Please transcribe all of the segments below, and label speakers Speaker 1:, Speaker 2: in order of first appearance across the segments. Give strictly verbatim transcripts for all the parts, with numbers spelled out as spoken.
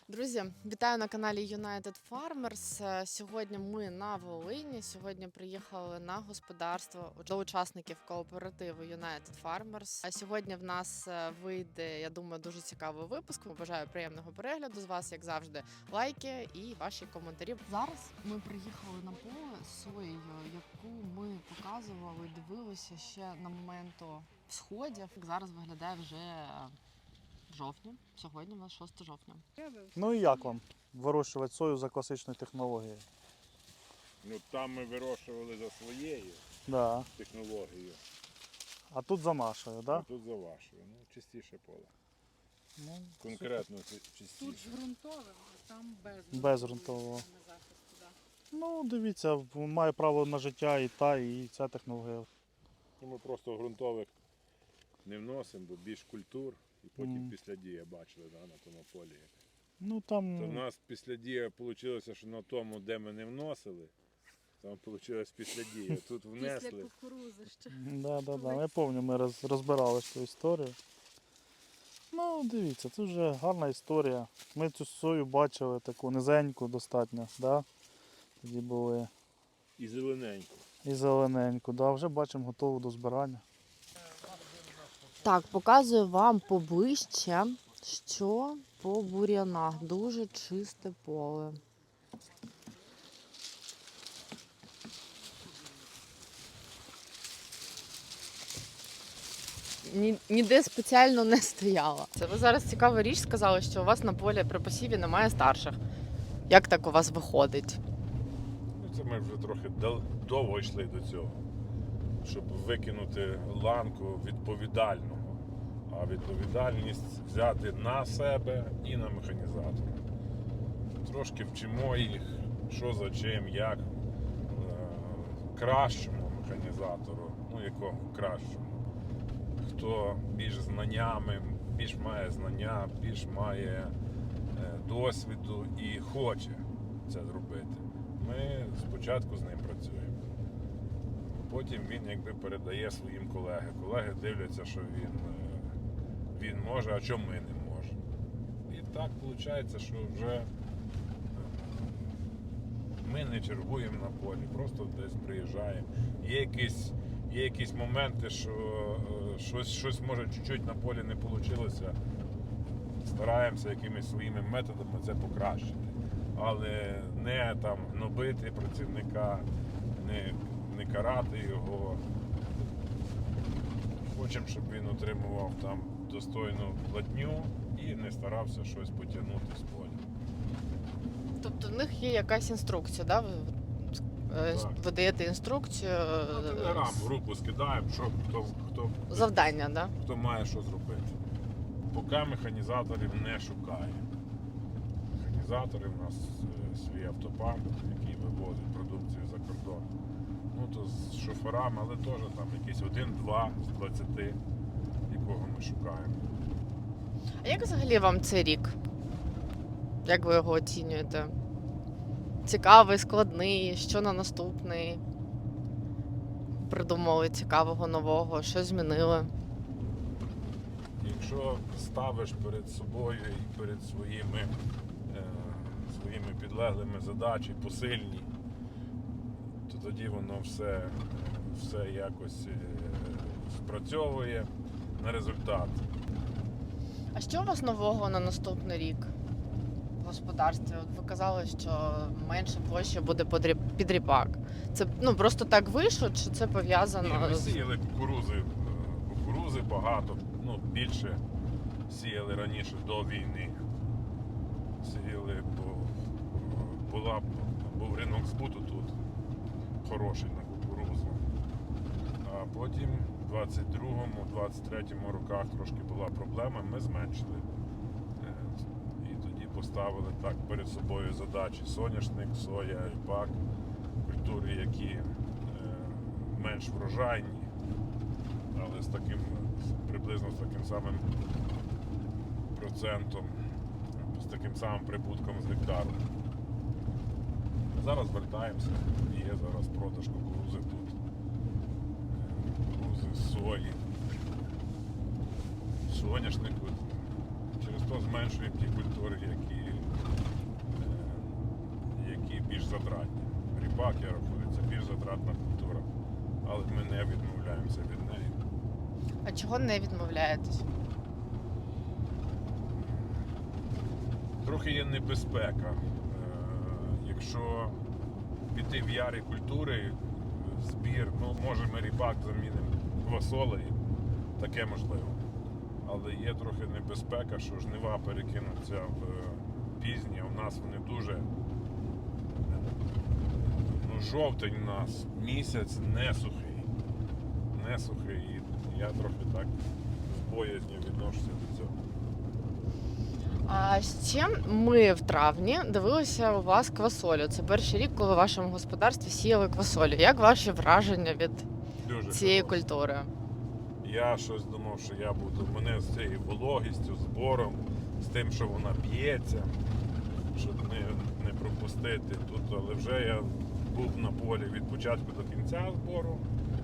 Speaker 1: Друзі, вітаю на каналі United Farmers. Сьогодні ми на Волині. Сьогодні приїхали на господарство до учасників кооперативу United Farmers. А сьогодні в нас вийде, я думаю, дуже цікавий випуск. Бажаю приємного перегляду з вас, як завжди, лайки і ваші коментарі. Зараз ми приїхали на поле з соєю, яку ми показували, дивилися ще на моменту всходів. Зараз виглядає вже в жовтні. Сьогодні у нас шосте жовтня.
Speaker 2: Ну і як вам вирощувати сою за класичною технологією?
Speaker 3: Ну там ми вирощували за своєю
Speaker 2: Да.
Speaker 3: технологією,
Speaker 2: А тут за нашою,
Speaker 3: а
Speaker 2: да?
Speaker 3: тут за вашою. Ну, чистіше поле.
Speaker 2: Ну,
Speaker 3: Конкретно чи-
Speaker 4: Тут
Speaker 3: чистіше.
Speaker 4: з ґрунтовим, а там без
Speaker 2: Без ґрунтового.
Speaker 4: на захисті, да.
Speaker 2: Ну, дивіться, має право на життя і та, і ця технологія.
Speaker 3: Ну, ми просто ґрунтових не вносимо, бо більш культур. І потім
Speaker 2: Мгм.
Speaker 3: після дія бачили, да, на тому полі.
Speaker 2: Ну
Speaker 3: То в
Speaker 2: там,
Speaker 3: нас після дія вийшло, що на тому, де ми не вносили, там вийшло після дія. Тут
Speaker 4: Після
Speaker 3: внесли.
Speaker 4: кукурузи ще.
Speaker 2: да, да, да. Я пам'ятаю, ми роз, розбирали цю історію. Ну, дивіться, це вже гарна історія. Ми цю сою бачили таку низеньку достатньо, да? Тоді були
Speaker 3: І зелененько.
Speaker 2: і зелененьку, да, вже бачимо готову до збирання.
Speaker 1: Так, показую вам поближче, що по бур'янах. Дуже чисте поле. Ні, ніде спеціально не стояла. Це ви зараз цікаву річ сказали, що у вас на полі при посіві немає старших. Як так у вас виходить?
Speaker 3: Ну, це ми вже трохи дал- довго йшли до цього, щоб викинути ланку відповідального. А відповідальність взяти на себе і на механізатора. Трошки вчимо їх, що за чим, як е, кращому механізатору, ну якому кращому. Хто більш знаннями, більш має знання, більш має е, досвіду і хоче це зробити. Ми спочатку з ним працюємо. Потім він якби передає своїм колегам. Колеги дивляться, що він, е, він може, а чому ми не можемо. І так виходить, що вже е, ми не чергуємо на полі, просто десь приїжджаємо. Є якісь, є якісь моменти, що е, щось, щось може чуть-чуть на полі не вийшло. Стараємося якимись своїми методами це покращити. Але не там гнобити працівника, не, не карати його. Хочемо, щоб він отримував там достойну платню і не старався щось потягнути з поля.
Speaker 1: Тобто в них є якась інструкція, да? Ви, е,
Speaker 3: Так.
Speaker 1: ви даєте інструкцію, е,
Speaker 3: На телеграм в групу скидаємо, що хто, хто,
Speaker 1: завдання, да?
Speaker 3: хто має що зробити. Поки механізаторів не шукає. Механізатори в нас е, свій автопарк, який вивозить продукцію за кордон. Ну то з шоферами, але теж там якийсь один-два з двадцяти, якого ми шукаємо.
Speaker 1: А як взагалі вам цей рік? Як ви його оцінюєте? Цікавий, складний, що на наступний? Придумали цікавого, нового, що змінили?
Speaker 3: Якщо ставиш перед собою і перед своїми, е, своїми підлеглими задачі посильні, то тоді воно все, все якось е, спрацьовує на результат.
Speaker 1: А що у вас нового на наступний рік в господарстві? От ви казали, що менше площі буде під ріп- під ріпак. Це ну, просто так вийшло, чи це
Speaker 3: Ні,
Speaker 1: пов'язано
Speaker 3: ми
Speaker 1: з...
Speaker 3: сіяли кукурузи, е, кукурузи багато, ну більше сіяли раніше до війни. Сіяли, бо була, був ринок збуту тут хороший на кукурузу. А потім в двадцять другому, двадцять третьому роках трошки була проблема, ми зменшили. Е, І тоді поставили так перед собою задачі соняшник, соя, ріпак, культури, які е, менш врожайні, але з таким, приблизно з таким самим процентом, з таким самим прибутком з гектару. Зараз вертаємося, є зараз продаж кукурузи тут. Кукурузи, сої, соняшнику. Через то зменшуємо ті культури, які більш затратні. Ріпак, я рахую, це більш затратна культура. Але ми не відмовляємося від неї.
Speaker 1: А чого не відмовляєтесь?
Speaker 3: Трохи є небезпека. Е, Якщо піти в ярі культури, збір, ну може ми ріпак замінимо квасолею, таке можливо. Але є трохи небезпека, що жнива перекинуться в пізні, а у нас вони дуже, ну, жовтень у нас місяць не сухий. Не сухий. І я трохи так з боязнью відношуся до цього.
Speaker 1: А ще ми в травні дивилися у вас квасолю. Це перший рік, коли в вашому господарстві сіяли квасолю. Як ваші враження від
Speaker 3: Дуже
Speaker 1: цієї
Speaker 3: хороше.
Speaker 1: культури?
Speaker 3: Я щось думав, що я буду, мене з цією вологістю, збором, з тим, що вона п'ється, щоб не, не пропустити тут. Але вже я був на полі від початку до кінця збору.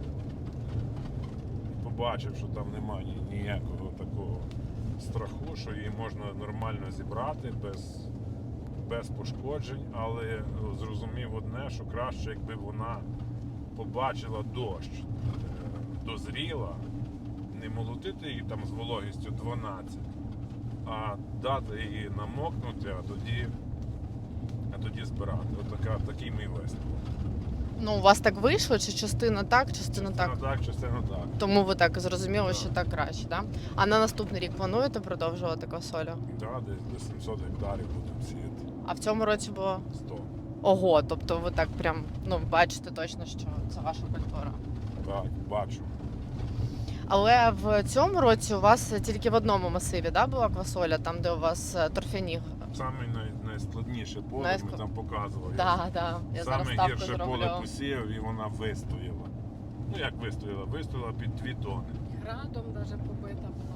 Speaker 3: Побачив, що там немає ні- ніякого такого страху, що її можна нормально зібрати без, без пошкоджень, але зрозумів одне, що краще, якби вона побачила дощ, е, дозріла, не молотити її там з вологістю дванадцять, а дати її намокнути, а тоді, а тоді збирати. Отака, такий мій висновок.
Speaker 1: Ну, у вас так вийшло, чи частина так, частина так?
Speaker 3: Частина так, частина так.
Speaker 1: Тому ви так зрозуміли,
Speaker 3: Так.
Speaker 1: що так краще, да? А на наступний рік плануєте продовжувати квасолю?
Speaker 3: Да, десь до сімсот гектарів будемо сіяти.
Speaker 1: А в цьому році було
Speaker 3: сто.
Speaker 1: ого, тобто ви так прям ну бачите точно, що це ваша культура.
Speaker 3: Так, бачу.
Speaker 1: Але в цьому році у вас тільки в одному масиві, да, була квасоля, там де у вас е, торфяні.
Speaker 3: Саме най, найскладніше поле
Speaker 1: Найск-
Speaker 3: ми там показували.
Speaker 1: Да, да. Я зараз
Speaker 3: Саме
Speaker 1: ставку
Speaker 3: гірше
Speaker 1: зроблю.
Speaker 3: поле посіяв і вона вистояла. Ну як вистояла? Вистояла під дві тони.
Speaker 4: Градом навіть побита була.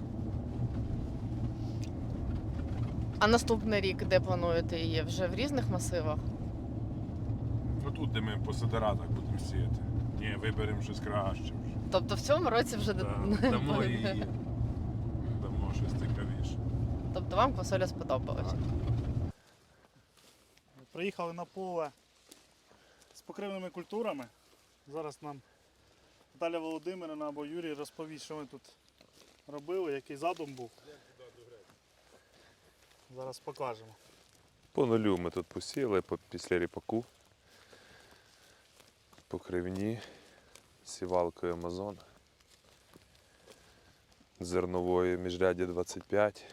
Speaker 1: А наступний рік де плануєте її? Вже в різних масивах?
Speaker 3: Отут, де ми по сидератах будемо сіяти. Ні, виберемо щось краще вже.
Speaker 1: Тобто в цьому році вже
Speaker 3: Да,
Speaker 1: не
Speaker 3: дамо
Speaker 1: буде.
Speaker 3: її. Дамо щось цікавіше.
Speaker 1: Тобто вам квасоля сподобалась?
Speaker 3: Так.
Speaker 2: Приїхали на поле з покривними культурами. Зараз нам Наталя Володимирівна або Юрій розповість, що ми тут робили, який задум був. Зараз покажемо.
Speaker 3: По нулю ми тут посіяли по- після ріпаку. Покривні, сівалкою Амазон. Зерновою міжряді двадцять п'ять.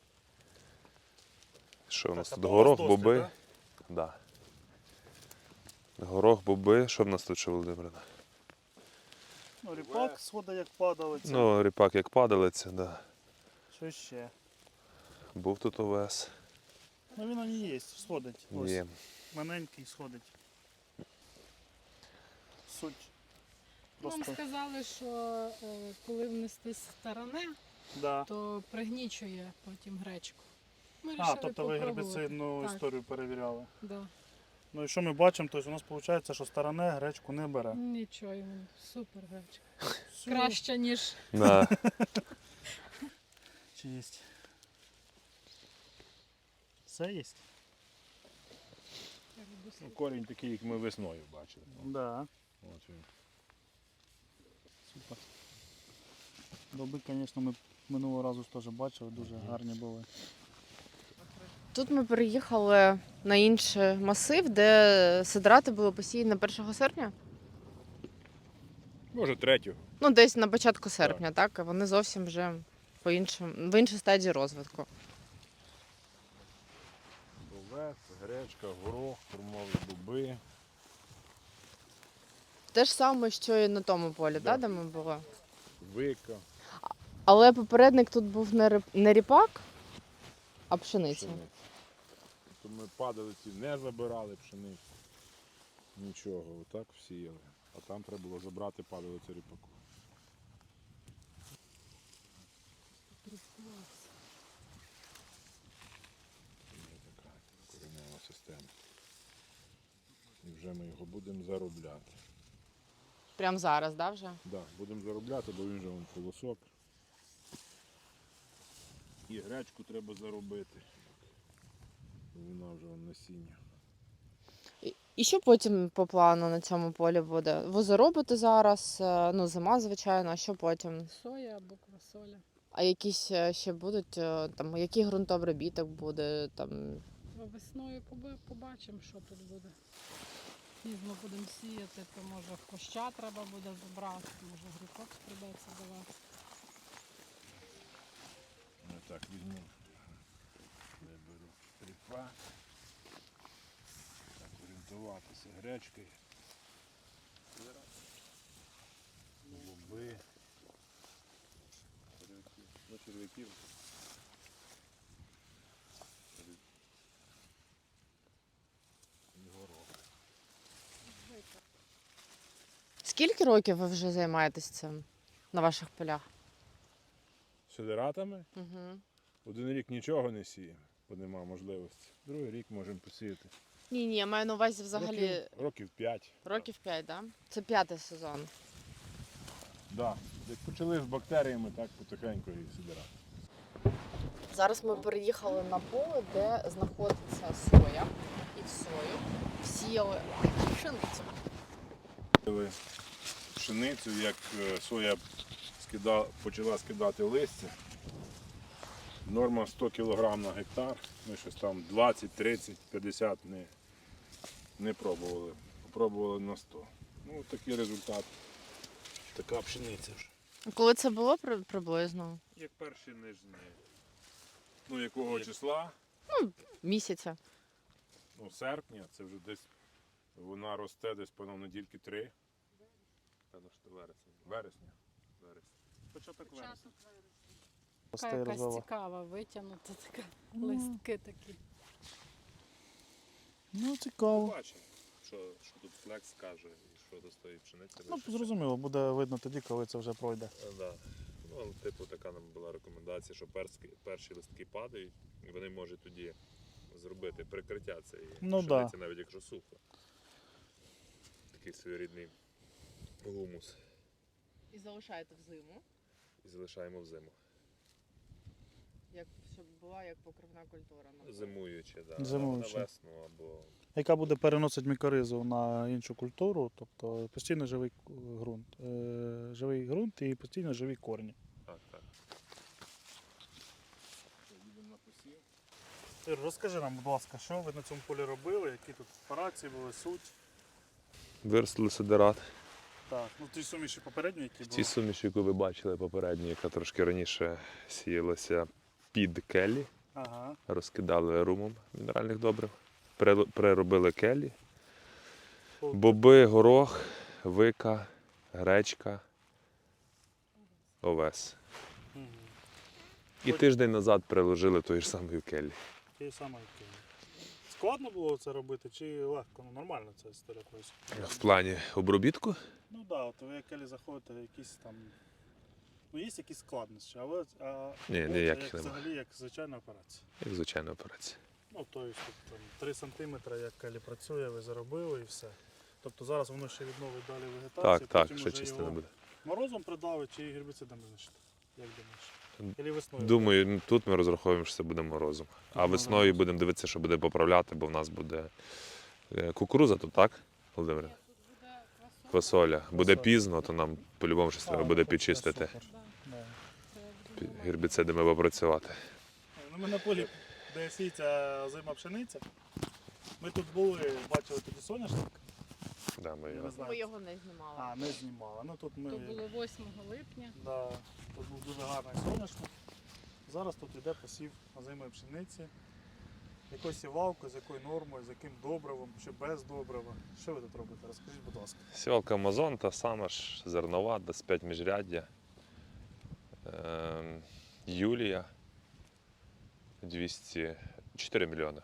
Speaker 3: Що у нас
Speaker 2: Так,
Speaker 3: тут?
Speaker 2: а то у вас
Speaker 3: Горох,
Speaker 2: досвід,
Speaker 3: боби. Да? Горох, боби. Що в нас тут ще, Володимирина?
Speaker 2: Ну, ріпак сходить як падалиця.
Speaker 3: Ну, ріпак як падалиця, да.
Speaker 2: Що ще?
Speaker 3: Був тут овес.
Speaker 2: Ну він не є, сходить. Ось.
Speaker 3: Є.
Speaker 2: Маленький сходить. Суть.
Speaker 4: Нам
Speaker 2: Просто.
Speaker 4: сказали, що е, коли внести старане,
Speaker 2: Да.
Speaker 4: то пригнічує потім гречку. Ми
Speaker 2: А,
Speaker 4: вирішили
Speaker 2: тобто ви
Speaker 4: попробувати.
Speaker 2: гербіцидну
Speaker 4: Так.
Speaker 2: історію перевіряли.
Speaker 4: Да.
Speaker 2: Ну і що ми бачимо, тобто у нас виходить, що старане гречку не бере.
Speaker 4: Нічого, йому супер гречка.
Speaker 2: Все.
Speaker 4: Краще, ніж
Speaker 3: Да.
Speaker 2: Чи є? Все є?
Speaker 3: Корінь такий, як ми весною бачили.
Speaker 2: Да.
Speaker 3: От він.
Speaker 2: Супер. Боби, звісно, ми минулого разу теж бачили, дуже гарні були.
Speaker 1: Тут ми переїхали на інший масив, де сидрати були посіяні першого серпня.
Speaker 3: Може, третю.
Speaker 1: Ну, десь на початку серпня, так? А вони зовсім вже по іншим, в іншій стадії розвитку.
Speaker 3: Овес, гречка, горох, формові боби.
Speaker 1: Те ж саме, що і на тому полі,
Speaker 3: Да.
Speaker 1: да, де ми були.
Speaker 3: Вика,
Speaker 1: Але попередник тут був не ріп- не ріпак, а пшениця.
Speaker 3: пшениця. То ми падалиці не забирали пшеницю. Нічого, отак всіяли. А там треба було забрати падалицю ріпаку. Є така коренева система. І вже ми його будемо заробляти.
Speaker 1: Прямо зараз, да, вже?
Speaker 3: Да, будемо заробляти, бо він же вон колосок. І гречку треба заробити. Бо вона вже вон насіння.
Speaker 1: І що потім по плану на цьому полі буде? Ви заробите зараз, е, ну, зима, звичайно, а що потім?
Speaker 4: Соя або квасоля.
Speaker 1: А якісь е, ще будуть, е, там, який ґрунтообробіток буде, там,
Speaker 4: А весною поби- побачимо, що тут буде. Пізно будемо сіяти, то може хвоща треба буде забрати, може грибок прийдеться давати.
Speaker 3: Я так візьму. Виберу тріпа. Так, орієнтуватися гречкою. Боби. Черв'яків. Ну, черв'яків. І горох.
Speaker 1: скільки років ви вже займаєтесь цим на ваших полях?
Speaker 3: Сидератами?
Speaker 1: Угу.
Speaker 3: Один рік нічого не сіємо, бо нема можливості. Другий рік можемо посіяти.
Speaker 1: Ні, ні, я маю на увазі взагалі
Speaker 3: Років, років п'ять.
Speaker 1: років п'ять, да? Це п'ятий сезон.
Speaker 3: Да. Як почали з бактеріями, так потихеньку і сидерати.
Speaker 1: Зараз ми переїхали на поле, де знаходиться соя. І в сою всіяли пшеницю.
Speaker 3: Сіяли пшеницю, як е, соя скида, почала скидати листя. Норма сто кілограм на гектар. Ми щось там двадцять, тридцять, п'ятдесят не, не пробували. Попробували на сто. Ну, такий результат. Така пшениця вже.
Speaker 1: Коли це було при- приблизно?
Speaker 3: Як перші нижні. Ну, якого числа?
Speaker 1: Місяця.
Speaker 3: Ну, серпня, це вже десь вона росте десь по недільки три. Певно, що вересня. Вересня. Вересня. Початок вересня.
Speaker 4: Така
Speaker 2: Росте і
Speaker 4: якась
Speaker 2: розвиває.
Speaker 4: цікава, витягнута така,
Speaker 2: Ну.
Speaker 4: листки такі.
Speaker 2: Ну, цікаво.
Speaker 3: Побачимо, що, що тут флекс каже і що до тої пшениці.
Speaker 2: Ну,
Speaker 3: лише.
Speaker 2: зрозуміло, буде видно тоді, коли це вже пройде.
Speaker 3: Е, Да. Ну, але, типу, така нам була рекомендація, що перські, перші листки падають, і вони можуть тоді зробити прикриття цієї
Speaker 2: Ну,
Speaker 3: пшениці, навіть якщо сухо. Такий своєрідний гумус.
Speaker 1: І залишаєте в зиму,
Speaker 3: І залишаємо в зиму.
Speaker 1: як, щоб була як покривна культура.
Speaker 3: Зимуючи, да.
Speaker 2: Зимуючи.
Speaker 3: На весну або
Speaker 2: Яка буде переносити мікоризу на іншу культуру, тобто постійно живий ґрунт. Е, живий ґрунт і постійно живі корні.
Speaker 3: так, так. Їдемо на посів.
Speaker 2: Ір, розкажи нам, будь ласка, що ви на цьому полі робили, які тут операції були, суть.
Speaker 3: Виростили сидерат.
Speaker 2: Так, ну ті суміші попередні, які
Speaker 3: В цій
Speaker 2: були.
Speaker 3: суміші, яку ви бачили попередньо, яка трошки раніше сіялася під келі,
Speaker 2: Ага.
Speaker 3: розкидали румом мінеральних добрив, пере- переробили келі,
Speaker 2: О.
Speaker 3: боби, горох, вика, гречка, овес.
Speaker 2: Угу.
Speaker 3: І тиждень назад переложили тої ж самої келі.
Speaker 2: Ті самі які. Складно було це робити чи легко? Ну нормально ця історія колись.
Speaker 3: В плані обробітку
Speaker 2: Ну так, да, от ви як келі заходите, якісь там. Ну є якісь складнощі, але а,
Speaker 3: Ні,
Speaker 2: от
Speaker 3: ніяких
Speaker 2: як,
Speaker 3: нема.
Speaker 2: взагалі як звичайна операція.
Speaker 3: як звичайна операція.
Speaker 2: Ну, тобто тут там три сантиметри, як келі працює, ви заробили і все. Тобто зараз воно ще відновить далі вегетацію,
Speaker 3: Так, так,
Speaker 2: потім
Speaker 3: ще
Speaker 2: вже
Speaker 3: чисто
Speaker 2: його
Speaker 3: не буде.
Speaker 2: морозом придавить чи гербіцидами знищити? Як думаєш? Или весною?
Speaker 3: Думаю, ну, тут ми розраховуємо, що це буде морозом. А
Speaker 2: Ну,
Speaker 3: весною
Speaker 2: морозом.
Speaker 3: будемо дивитися, що буде поправляти, бо в нас буде е, кукуруза тут, так, Володимир?
Speaker 4: Тут буде квасоля.
Speaker 3: Фасоля. Буде
Speaker 2: Фасоля.
Speaker 3: пізно, то нам по-любому щось треба
Speaker 2: А,
Speaker 3: буде
Speaker 2: ну,
Speaker 3: підчистити,
Speaker 2: супер.
Speaker 4: Да,
Speaker 2: Да.
Speaker 4: це буде нормально.
Speaker 3: гербіцидами попрацювати.
Speaker 2: Ну, ми на полі, де сіється озима пшениця. Ми тут були, бачили тоді соняшник.
Speaker 3: Да, ми
Speaker 2: Я
Speaker 3: його...
Speaker 2: не знаю.
Speaker 1: Ми його не знімали.
Speaker 2: А, не знімали. Ну тут ми.
Speaker 4: То було восьмого липня.
Speaker 2: Да, тут був дуже гарний соняшник. Зараз тут йде посів озимої пшениці. Якою сівалкою, з якою нормою, з яким добривом, чи без добрива. Що ви тут робите? Розкажіть, будь ласка.
Speaker 3: Сівалка Амазон, та сама ж зернова, двадцять п'ять міжряддя. Ем, Юлія двісті чотири мільйони.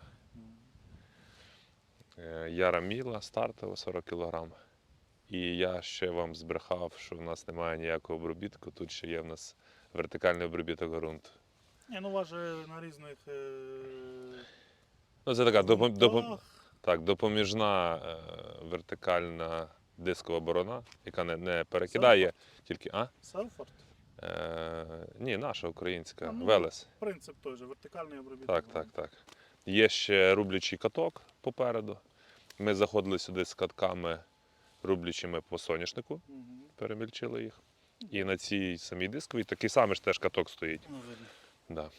Speaker 3: Е, Яра Міла стартова сорок кілограм. І я ще вам збрехав, що в нас немає ніякого обробітку. Тут ще є в нас вертикальний обробіток ґрунту.
Speaker 2: Ні, ну у вас же на різних е...
Speaker 3: Ну, це така допом... допом...
Speaker 2: ґрунтах.
Speaker 3: так, допоміжна е, вертикальна дискова борона, яка не, не перекидає, тільки. А?
Speaker 2: Селфорд.
Speaker 3: Е, ні, наша українська,
Speaker 2: А, ну,
Speaker 3: Велес.
Speaker 2: Принцип той же, вертикальний обробіток.
Speaker 3: Так, так, так. Є ще рублячий каток попереду. Ми заходили сюди з катками, рублячими по соняшнику, перемільчили їх. І на цій самій дисковій такий самий ж теж каток стоїть.
Speaker 2: Ну, видно.
Speaker 3: Да.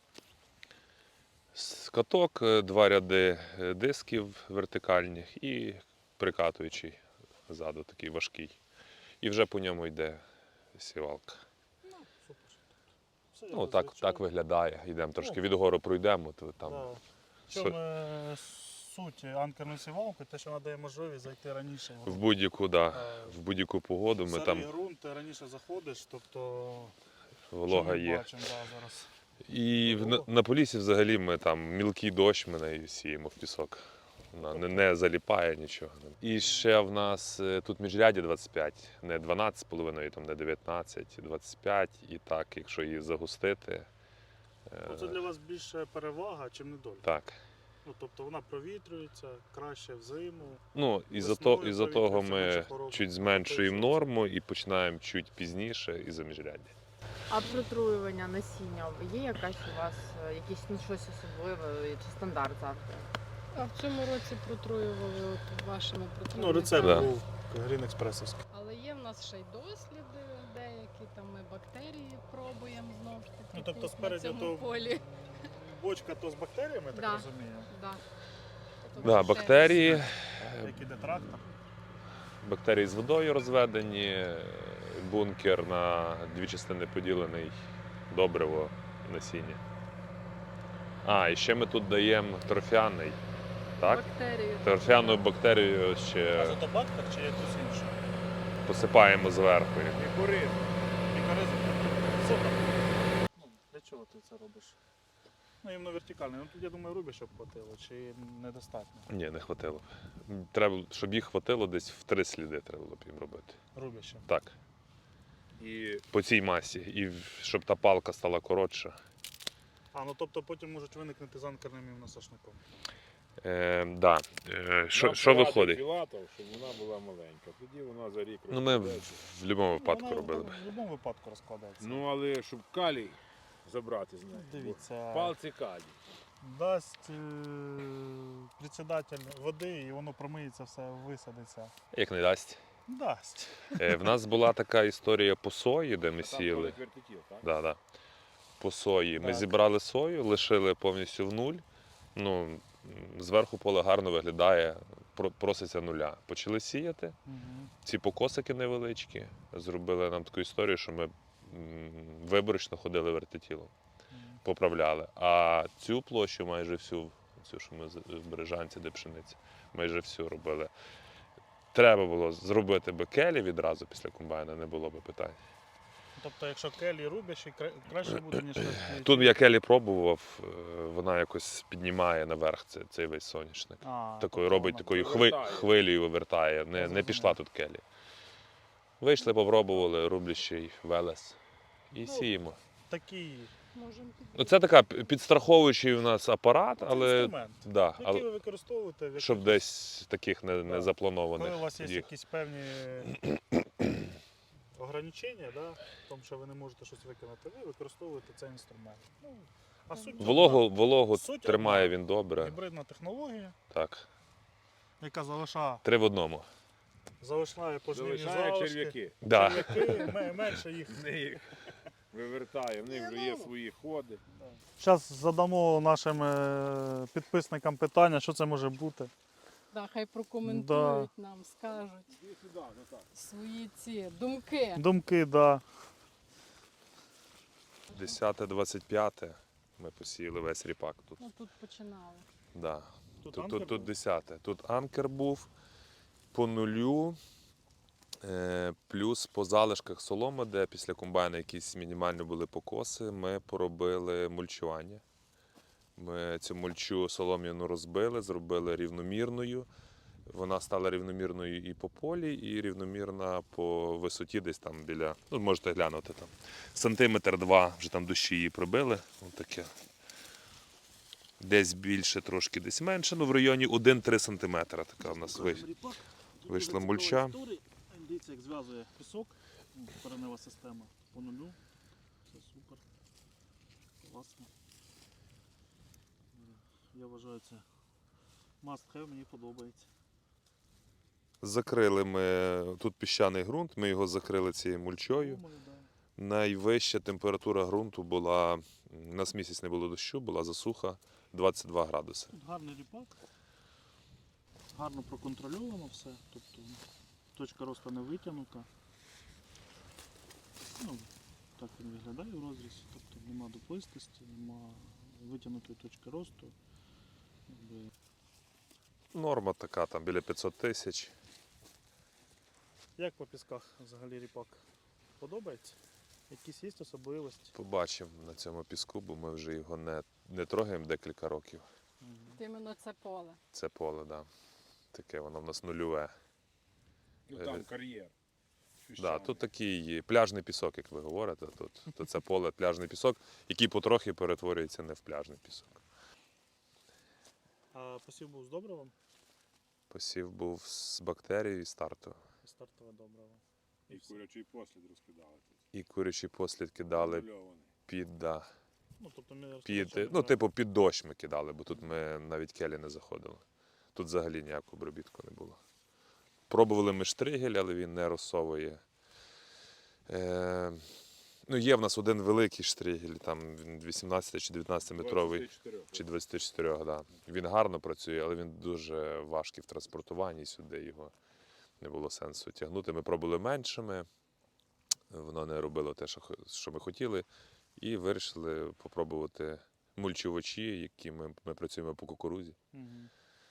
Speaker 3: З каток, е, два ряди е, дисків вертикальних і прикатуючий ззаду, такий важкий. І вже по ньому йде сівалка.
Speaker 2: Ну, супер. Все,
Speaker 3: Ну,
Speaker 2: я
Speaker 3: так,
Speaker 2: звичайно.
Speaker 3: так виглядає. Йдемо трошки
Speaker 2: Ну.
Speaker 3: від гору пройдемо, то там.
Speaker 2: Да. В
Speaker 3: Со-
Speaker 2: чому е, суть анкерної сівалки? Те, що вона дає можливість зайти раніше. в
Speaker 3: В
Speaker 2: ґрунт.
Speaker 3: будь-яку, да,
Speaker 2: Е,
Speaker 3: в будь-яку погоду ми
Speaker 2: Сирий
Speaker 3: там
Speaker 2: ґрунт, ти раніше заходиш, тобто
Speaker 3: волога
Speaker 2: що ми
Speaker 3: є.
Speaker 2: бачимо, да, зараз.
Speaker 3: І в- на, на Поліссі взагалі ми там мілкий дощ, ми нею сіємо в пісок. Вона не, не заліпає нічого. І ще в нас е, тут міжряді двадцять п'ять, не дванадцять з половиною, там не дев'ятнадцять, двадцять п'ять. І так, якщо її загустити, е,
Speaker 2: Ну, це для вас більше перевага, чим недолік.
Speaker 3: так.
Speaker 2: Ну, тобто вона провітрюється краще взиму.
Speaker 3: Ну, із-за
Speaker 2: Весною
Speaker 3: то, із-за
Speaker 2: повітря
Speaker 3: того
Speaker 2: все
Speaker 3: ми
Speaker 2: менше хвороб.
Speaker 3: чуть зменшуємо норму і починаємо чуть пізніше із-за міжряддя.
Speaker 1: А протруювання насіння є якась у вас е, якісь ну щось особливе чи стандарт завжди?
Speaker 4: А в цьому році протруювали от вашими
Speaker 2: Ну,
Speaker 4: протруйниками.
Speaker 2: рецепт
Speaker 3: Да.
Speaker 2: був Green Експресовський.
Speaker 4: Але є в нас ще й досліди деякі, там ми бактерії пробуємо знову ж таки
Speaker 2: Ну, тобто
Speaker 4: тут,
Speaker 2: спереді
Speaker 4: на цьому
Speaker 2: то-
Speaker 4: полі.
Speaker 2: Бочка то з бактеріями, я так
Speaker 4: Да.
Speaker 2: розумію.
Speaker 4: Да.
Speaker 3: Да,
Speaker 4: Тобто ще
Speaker 3: бактерії,
Speaker 2: Як іде трактор.
Speaker 3: бактерії з водою розведені, бункер на дві частини поділений, добриво, насіння. А, і ще ми тут даємо торфяний. Так?
Speaker 4: Бактерії.
Speaker 3: Торфяну бактерію ще
Speaker 2: Азотобактер чи якось інше?
Speaker 3: посипаємо зверху.
Speaker 2: Мікоризм. Мікоризм. Супер. Ну, для чого ти це робиш? Ну, іменно вертикальний. Ну, тут, я думаю, рубі, щоб хватило, чи недостатньо?
Speaker 3: Ні, не хватило. Треба, щоб їх хватило, десь в три сліди треба було б їм робити.
Speaker 2: Рубі ще.
Speaker 3: Так. І по цій масі. І в- щоб та палка стала коротша.
Speaker 2: А, ну тобто потім можуть виникнути з анкерним імуносошником.
Speaker 3: Е, да. е, що,
Speaker 5: Нам
Speaker 3: що
Speaker 5: порадив
Speaker 3: виходить?
Speaker 5: Філатов, щоб вона була маленька. Тоді вона за рік
Speaker 3: Ну, ми в,
Speaker 5: розкладається.
Speaker 3: в будь-якому випадку
Speaker 2: Вона
Speaker 3: робили б.
Speaker 2: В будь-якому випадку розкладається.
Speaker 5: Ну, але щоб калій забрати з неї.
Speaker 2: Дивіться,
Speaker 5: Бо Палці калій.
Speaker 2: дасть е- председатель води і воно промиється, все висадиться.
Speaker 3: Як не дасть.
Speaker 2: Дасть.
Speaker 3: Е, в нас була така історія по сої, де ми
Speaker 5: Там
Speaker 3: сіяли.
Speaker 5: ходить вертикіл, так?
Speaker 3: Да, да. По сої. Ми
Speaker 2: Так.
Speaker 3: зібрали сою, лишили повністю в нуль. Ну, м, зверху поле гарно виглядає, про- проситься нуля. Почали сіяти.
Speaker 2: Угу.
Speaker 3: Ці покосики невеличкі. Зробили нам таку історію, що ми м, виборочно ходили вертитілом, поправляли. А цю площу майже всю, цю, що ми з- в Бережанці, де пшениця, майже всю робили. Треба було зробити би келі відразу після комбайна, не було би питань.
Speaker 2: Тобто, якщо келі рубящі, кра- краще буде, ніж вертикальний.
Speaker 3: Тут я келі пробував, е, вона якось піднімає наверх цей, цей весь соняшник.
Speaker 2: А,
Speaker 3: Такою
Speaker 2: тобто
Speaker 3: робить
Speaker 2: вона-
Speaker 3: такою хви,
Speaker 5: вивертає.
Speaker 3: хвилею вивертає.
Speaker 2: Я
Speaker 3: Не, не
Speaker 2: зрозумів.
Speaker 3: пішла тут келі. Вийшли, попробували, рублячий велес. І
Speaker 2: Ну,
Speaker 3: сіємо.
Speaker 2: Такий
Speaker 4: Можемо під...
Speaker 3: Ну, це така п- підстраховуючий у нас апарат,
Speaker 2: це
Speaker 3: але,
Speaker 2: інструмент,
Speaker 3: да,
Speaker 2: який
Speaker 3: але
Speaker 2: ви використовуєте, в
Speaker 3: щоб
Speaker 2: якихось-
Speaker 3: десь таких не, не
Speaker 2: Да.
Speaker 3: запланованих.
Speaker 2: коли у вас є
Speaker 3: їх.
Speaker 2: якісь певні ограничення, да, в тому, що ви не можете щось виконати, ви використовуєте цей інструмент. Ну, а суть
Speaker 3: Вологу, вологу
Speaker 2: Суть
Speaker 3: тримає
Speaker 2: одна.
Speaker 3: він добре.
Speaker 2: гібридна технологія,
Speaker 3: Так.
Speaker 2: яка залишає,
Speaker 3: Три в одному.
Speaker 2: залишає пожнивні
Speaker 5: Залишає
Speaker 2: залишки.
Speaker 5: черв'яки.
Speaker 3: Да.
Speaker 2: Черв'яки, ме- менше їх.
Speaker 5: В них вивертає, в них вже є свої ходи.
Speaker 2: Зараз задамо нашим е, підписникам питання, що це може бути.
Speaker 4: Да, хай прокоментують нам, скажуть
Speaker 5: Іди сюди, ну так.
Speaker 4: свої ці думки.
Speaker 2: Думки, да.
Speaker 3: десяте двадцять п'яте ми посіяли весь ріпак тут.
Speaker 4: Ну тут починали.
Speaker 3: Да.
Speaker 2: Тут
Speaker 3: Тут,
Speaker 2: анкер
Speaker 3: тут, тут
Speaker 2: був?
Speaker 3: десяте. Тут анкер був по нулю, е, плюс по залишках соломи, де після комбайна якісь мінімальні були покоси, ми поробили мульчування. Ми цю мульчу солом'яну розбили, зробили рівномірною. Вона стала рівномірною і по полі, і рівномірна по висоті, десь там біля, ну можете глянути там. Сантиметр два вже там дощі її пробили. Ось таке. Десь більше, трошки десь менше, ну в районі один-три сантиметра така в нас вийшла. вийшла мульча.
Speaker 2: Дивіться, як зв'язує пісок, коренева система по нулю. Це супер. Класно. Я вважаю, це must have, мені подобається.
Speaker 3: Закрили ми тут піщаний ґрунт, ми його закрили цією мульчою.
Speaker 2: Думаю, да.
Speaker 3: Найвища температура ґрунту була, у нас місяць не було дощу, була засуха двадцять два градуси.
Speaker 2: Тут гарний ріпак. Гарно проконтрольовано все. Тобто точка росту не витягнута. Ну, так він виглядає в розрізі. Тобто нема дуплистості, нема витягнутої точки росту. Якби
Speaker 3: Норма така, там біля п'ятсот тисяч.
Speaker 2: як по пісках взагалі ріпак? Подобається? Якісь є особливості?
Speaker 3: Побачимо на цьому піску, бо ми вже його не, не трогаємо декілька років.
Speaker 4: Іменно це поле.
Speaker 3: Це поле, да. Таке воно в нас нульове.
Speaker 5: Ну
Speaker 3: Е,
Speaker 5: там кар'єр.
Speaker 3: Да, тут такий пляжний пісок, як ви говорите. Тут, то це поле пляжний пісок, який потрохи перетворюється не в пляжний пісок.
Speaker 2: А посів був з добривом?
Speaker 3: Посів був з бактерією і старту.
Speaker 2: Стартове добриво.
Speaker 5: І курячий послід розкидали тут.
Speaker 3: І курячі послід кидали
Speaker 5: Контрольований.
Speaker 3: під, да,
Speaker 2: Ну, тобто ми
Speaker 3: під,
Speaker 2: розпочали,
Speaker 3: ну,
Speaker 2: да.
Speaker 3: типу, під дощ ми кидали, бо тут ми навіть келі не заходили. Тут взагалі ніякого обробітку не було. Пробували ми штригель, але він не розсовує. Е, ну, є в нас один великий штригель, там він вісімнадцять чи дев'ятнадцять метровий.
Speaker 5: двадцять чотири.
Speaker 3: Чи двадцять чотири, да. Він гарно працює, але він дуже важкий в транспортуванні, сюди його не було сенсу тягнути. Ми пробували меншими, воно не робило те, що хо- що ми хотіли, і вирішили попробувати мульчувачі, які ми, ми працюємо по кукурузі.
Speaker 2: Мгм.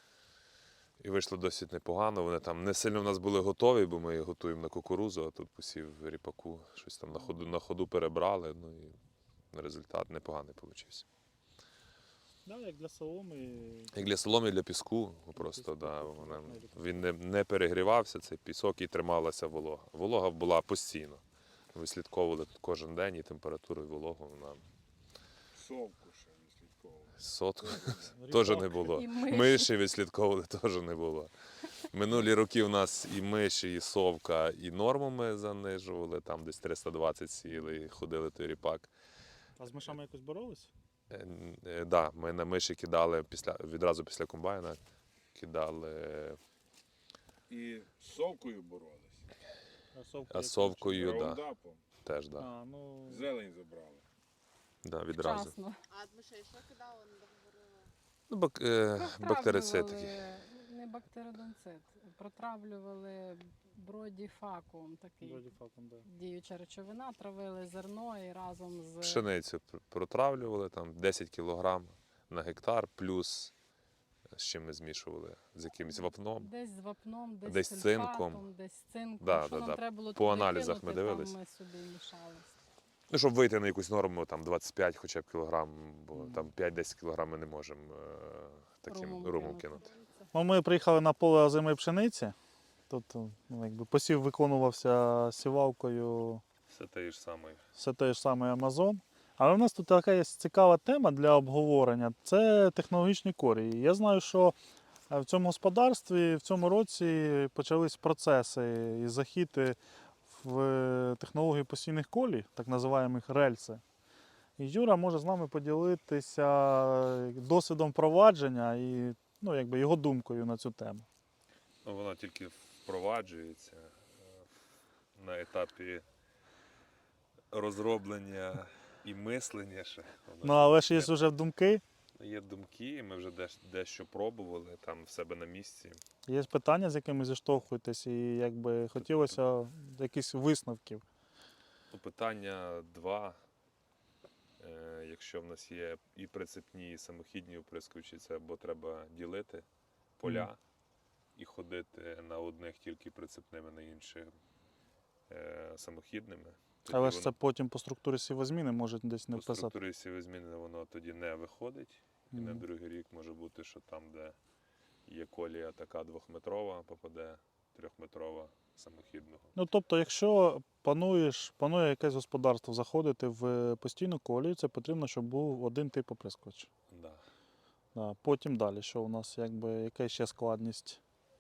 Speaker 3: І вийшло досить непогано. Вони там не сильно в нас були готові, бо ми їх готуємо на кукурузу, а тут посів ріпаку, щось там на ходу, на ходу перебрали, ну і результат непоганий вийшов.
Speaker 2: Да, як для соломи.
Speaker 3: Як для соломи, для піску, просто
Speaker 2: піску,
Speaker 3: да,
Speaker 2: тобто,
Speaker 3: вона,
Speaker 2: гарний ріпак.
Speaker 3: він не, не перегрівався, цей пісок, і трималася волога. Волога була постійно. Ми слідковували тут кожен день і температуру, і вологу. Вона
Speaker 5: Совку ще не слідковували.
Speaker 3: сотку
Speaker 2: Ріпак.
Speaker 3: теж не було.
Speaker 4: І миші.
Speaker 3: Миші відслідковували теж не було. Минулі роки у нас і миші, і совка, і норму ми занижували, там десь триста двадцять сіли, і ходили той ріпак.
Speaker 2: А з мишами якось боролись?
Speaker 3: Е, е, да, ми на миші кидали після, відразу після комбайна, кидали
Speaker 5: І з совкою боролись.
Speaker 2: А совка
Speaker 3: а
Speaker 2: якось
Speaker 3: совкою, да,
Speaker 5: Раундапом.
Speaker 3: теж,
Speaker 2: чи-
Speaker 3: да,
Speaker 2: А, ну,
Speaker 5: Зелень забрали.
Speaker 3: да, відразу.
Speaker 4: Вчасно.
Speaker 1: А мишей що кидали, не договорила?
Speaker 3: Ну, бак, е, бактерицид такий.
Speaker 4: Протравлювали, не бактеридонцид, протравлювали бродіфакум, такий
Speaker 2: вроді факом, да.
Speaker 4: діюча речовина, травили зерно і разом з
Speaker 3: Пшеницю пр- протравлювали, там десять кілограм на гектар, плюс з чим ми змішували, з якимось вапном.
Speaker 4: десь з вапном, десь,
Speaker 3: Десь
Speaker 4: з
Speaker 3: цинком.
Speaker 4: сульфатом, десь з цинком.
Speaker 3: Да,
Speaker 4: Що
Speaker 3: да,
Speaker 4: нам
Speaker 3: да.
Speaker 4: треба було
Speaker 3: По
Speaker 4: туди
Speaker 3: аналізах ми
Speaker 4: кинути,
Speaker 3: дивились.
Speaker 4: там ми сюди мішали.
Speaker 3: Ну, щоб вийти на якусь норму, там двадцять п'ять хоча б кілограм, бо
Speaker 2: Мгм.
Speaker 3: там п'ять-десять кілограм ми не можемо е, таким
Speaker 4: Румом
Speaker 3: румом
Speaker 4: кинути.
Speaker 3: кинути.
Speaker 2: Ну, ми приїхали на поле озимої пшениці. Тут ну, якби посів виконувався сівалкою
Speaker 3: Все те ж саме.
Speaker 2: все той ж самий Амазон. Але в нас тут така є цікава тема для обговорення це технологічні корії. Я знаю, що е, в цьому господарстві в цьому році почались процеси і захід в е, технології постійних колій, так називаємо рельси. І Юра може з нами поділитися досвідом впровадження і ну, якби його думкою на цю тему.
Speaker 3: Ну, вона тільки впроваджується е, на етапі розроблення і мислення ще. Вона
Speaker 2: Ну,
Speaker 3: ще
Speaker 2: але ж є
Speaker 3: не-
Speaker 2: вже думки,
Speaker 3: Є думки, ми вже деш- дещо пробували там в себе на місці.
Speaker 2: є питання, з якими зіштовхуєтесь, і якби хотілося якихось висновків.
Speaker 3: Ну, питання два. Е, якщо в нас є і прицепні, і самохідні оприскувачі, це або треба ділити поля
Speaker 2: Мгм.
Speaker 3: і ходити на одних тільки прицепними, на інших е, самохідними. Тоді
Speaker 2: Але ж
Speaker 3: воно-
Speaker 2: це потім по структурі сівозміни може десь не
Speaker 3: по
Speaker 2: вписати.
Speaker 3: структурі сівозміни воно тоді не виходить. І на
Speaker 2: Мгм.
Speaker 3: другий рік може бути, що там, де є колія така двохметрова, попаде трьохметрова самохідного.
Speaker 2: Ну тобто, якщо плануєш, планує якесь господарство заходити в постійну колію, це потрібно, щоб був один тип оприскувач.
Speaker 3: Да.
Speaker 2: Да. Потім далі, що у нас якби яка ще складність?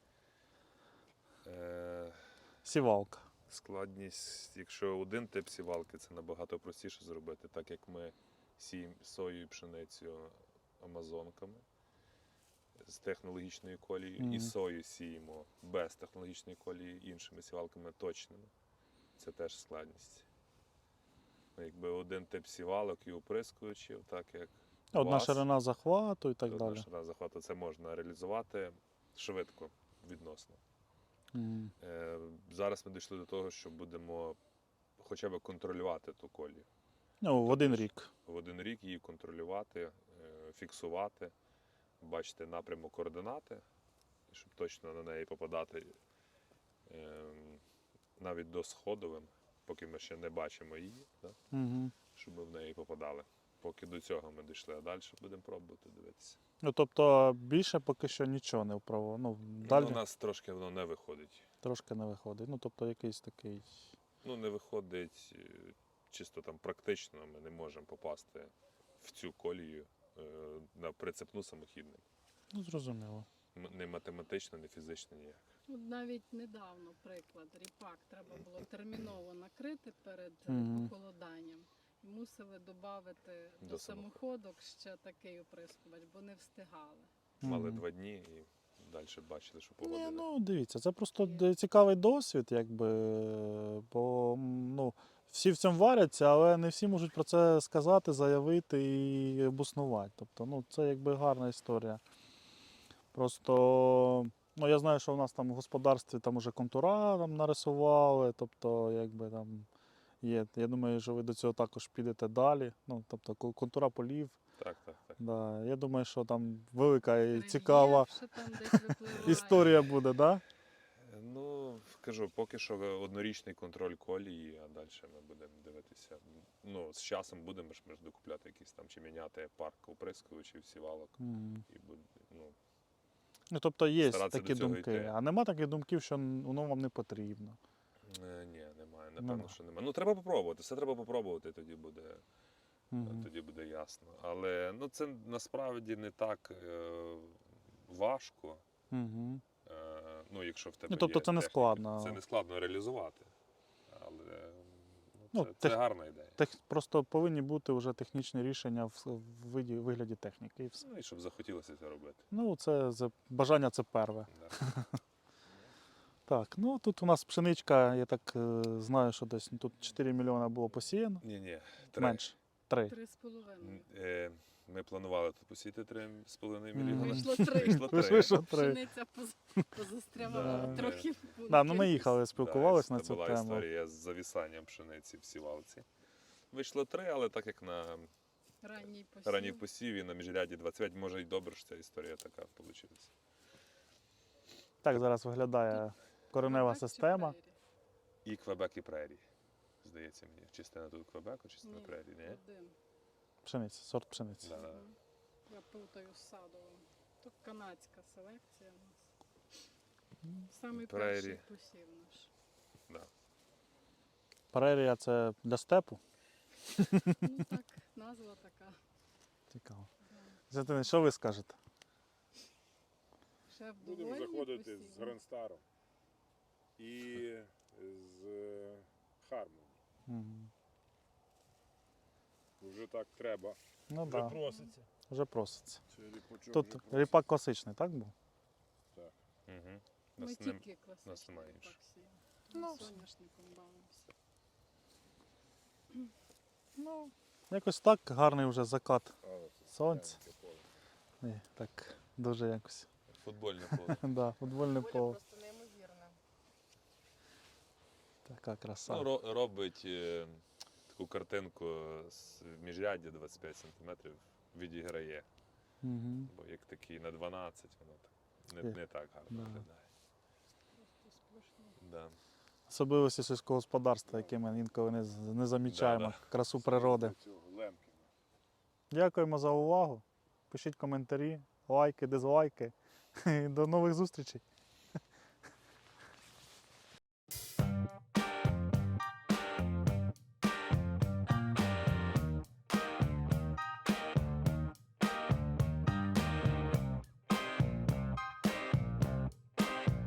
Speaker 3: Е,
Speaker 2: Сівалка.
Speaker 3: складність, якщо один тип сівалки, це набагато простіше зробити, так як ми сіємо сою і пшеницю амазонками. з технологічної колії,
Speaker 2: Мгм.
Speaker 3: і сою сіємо без технологічної колії іншими сівалками точними. Це теж складність. Ну, якби один тип сівалок і оприскувачів, так як
Speaker 2: Одна
Speaker 3: вас,
Speaker 2: ширина захвату і так
Speaker 3: одна
Speaker 2: далі.
Speaker 3: ширина захвату, це можна реалізувати швидко відносно.
Speaker 2: Мгм.
Speaker 3: Е, Зараз ми дійшли до того, що будемо хоча б контролювати ту колію.
Speaker 2: Ну, в один
Speaker 3: Тобто ж
Speaker 2: рік.
Speaker 3: В один рік її контролювати, е, фіксувати, бачити напрямок координати, щоб точно на неї попадати е, навіть до сходовим, поки ми ще не бачимо її, да?
Speaker 2: Угу.
Speaker 3: Щоб ми в неї попадали. Поки до цього ми дійшли, а далі будемо пробувати дивитися.
Speaker 2: Ну, тобто більше поки що нічого не вправо. Ну, далі
Speaker 3: Ну, у нас трошки воно не виходить.
Speaker 2: трошки не виходить. Ну, тобто якийсь такий.
Speaker 3: Ну, не виходить е, чисто там практично, ми не можемо попасти в цю колію е, на прицепну самохідним.
Speaker 2: Ну, зрозуміло.
Speaker 3: М- Не математично, не фізично ніяк.
Speaker 4: От навіть недавно, приклад, ріпак треба було терміново накрити перед е,
Speaker 2: Мгм.
Speaker 4: похолоданням. І мусили додати до,
Speaker 3: До
Speaker 4: самоходок ще такий оприскувач, бо не встигали.
Speaker 3: Мали
Speaker 2: Мгм.
Speaker 3: два дні і далі бачили, що
Speaker 2: Ні,
Speaker 3: погода. не-
Speaker 2: ну дивіться, це просто д- цікавий досвід, якби, бо м, ну, всі в цьому варяться, але не всі можуть про це сказати, заявити і обоснувати. Тобто, ну, це якби гарна історія. Просто, ну, я знаю, що в нас там в господарстві там уже контура там нарисували, тобто, якби там є. Я думаю, що ви до цього також підете далі. Ну, тобто, ко- контура полів.
Speaker 3: Так, так, так.
Speaker 2: Да. Я думаю, що там велика і
Speaker 4: Рельєф
Speaker 2: цікава
Speaker 4: ще там десь випливає.
Speaker 2: історія буде, так? Да?
Speaker 3: Е, Ну, кажу, поки що однорічний контроль колії, а далі ми будемо дивитися. Ну, з часом будемо ж ми ж докупляти якісь там чи міняти парк оприскувачів, сівалок.
Speaker 2: Мгм.
Speaker 3: І буде, ну,
Speaker 2: Ну, тобто є
Speaker 3: Старатися
Speaker 2: такі
Speaker 3: до цього
Speaker 2: думки,
Speaker 3: йти.
Speaker 2: а нема таких думків, що воно вам не потрібно.
Speaker 3: е, ні, немає, напевно,
Speaker 2: Нема.
Speaker 3: що немає. Ну, треба попробувати, все треба попробувати, тоді буде,
Speaker 2: Мгм.
Speaker 3: тоді буде ясно. Але ну, це насправді не так е, важко.
Speaker 2: Мгм.
Speaker 3: Е, ну, якщо в тебе
Speaker 2: Ну, тобто
Speaker 3: є
Speaker 2: це не
Speaker 3: техніка.
Speaker 2: складно.
Speaker 3: Це не складно реалізувати. Але ну,
Speaker 2: Ну,
Speaker 3: це,
Speaker 2: тех-
Speaker 3: це гарна ідея.
Speaker 2: Тех, просто повинні бути вже технічні рішення в, в виді, вигляді техніки і все.
Speaker 3: Ну і щоб захотілося це робити.
Speaker 2: Ну, це за- бажання це перве.
Speaker 3: Да.
Speaker 2: Так, ну тут у нас пшеничка, я так е, знаю, що десь ну, тут чотири мільйони було посіяно.
Speaker 3: Ні, ні. Три.
Speaker 2: Менше. Три.
Speaker 4: Три з половиною.
Speaker 3: М, е, Ми планували тут посіяти три з половиною
Speaker 2: Мгм.
Speaker 3: мільйони.
Speaker 4: Вийшло три.
Speaker 3: Вийшло
Speaker 2: Ви ж
Speaker 3: три.
Speaker 2: вийшло три.
Speaker 4: Пшениця поз- позастрявала
Speaker 2: Да.
Speaker 4: трохи в пункті.
Speaker 2: Да, ну ми їхали, спілкувалися
Speaker 3: Да,
Speaker 2: на
Speaker 3: це
Speaker 2: цю
Speaker 3: була
Speaker 2: тему.
Speaker 3: історія з завісанням пшениці в сівалці. Вийшло три, але так як на
Speaker 4: Ранній посів.
Speaker 3: ранній посіві на міжряді двадцять п'ять, може й добре, що ця історія така вийшла.
Speaker 2: Так зараз виглядає коренева
Speaker 4: Квебек чи
Speaker 2: система.
Speaker 4: прерії?
Speaker 3: І Квебек, і Прерій. Здається мені. Частина тут Квебеку, частина
Speaker 4: Ні,
Speaker 3: Прерій, ні?
Speaker 4: один.
Speaker 2: Пшениця, сорт пшениці.
Speaker 3: Да, да.
Speaker 4: Мгм. Я плутаю з садовим. То канадська селекція у нас. Самий
Speaker 3: Прерії.
Speaker 4: перший посів наш.
Speaker 3: Да.
Speaker 2: Прерія це для степу.
Speaker 4: Ну так, назва така.
Speaker 2: Цікаво.
Speaker 4: Да.
Speaker 2: Зятини, що ви скажете?
Speaker 4: Шеф
Speaker 5: Будемо
Speaker 4: довольний
Speaker 5: заходити з
Speaker 4: посівом?
Speaker 5: Грандстаром і з е, Хармоні.
Speaker 2: Мгм.
Speaker 5: Вже так треба.
Speaker 2: Ну
Speaker 5: Вже
Speaker 2: так, да,
Speaker 5: проситься.
Speaker 2: вже проситься.
Speaker 5: Це ріпачок
Speaker 2: Тут
Speaker 5: вже проситься.
Speaker 2: ріпак класичний, так був?
Speaker 3: Угу.
Speaker 4: Ми
Speaker 3: Нас не...
Speaker 4: тільки класичний
Speaker 3: нас немає
Speaker 4: ріпак
Speaker 3: іншого.
Speaker 4: сіємо.
Speaker 2: Ну,
Speaker 4: Ми соняшником бавимося.
Speaker 2: Ну, якось так, гарний вже закат
Speaker 5: Але це
Speaker 2: сонця.
Speaker 5: таке поле.
Speaker 2: І так, дуже якось.
Speaker 3: Футбольне поле.
Speaker 2: Да, футбольне
Speaker 1: Поле
Speaker 2: поле.
Speaker 1: просто неймовірне.
Speaker 2: Така краса.
Speaker 3: Ну, ро- робить е, таку картинку з міжряддя двадцять п'ять сантиметрів, відіграє.
Speaker 2: Угу.
Speaker 3: Бо як такий на дванадцять, воно так,
Speaker 2: Є.
Speaker 3: не, не так гарно
Speaker 2: Да.
Speaker 3: виглядає.
Speaker 4: Просто сплошно.
Speaker 3: Да.
Speaker 2: Особливості сільського господарства, які ми інколи не, з- не замічаємо.
Speaker 3: Да,
Speaker 2: Красу природи.
Speaker 5: Цього Лемкіна.
Speaker 2: Дякуємо за увагу. Пишіть коментарі, лайки, дизлайки. І до нових зустрічей.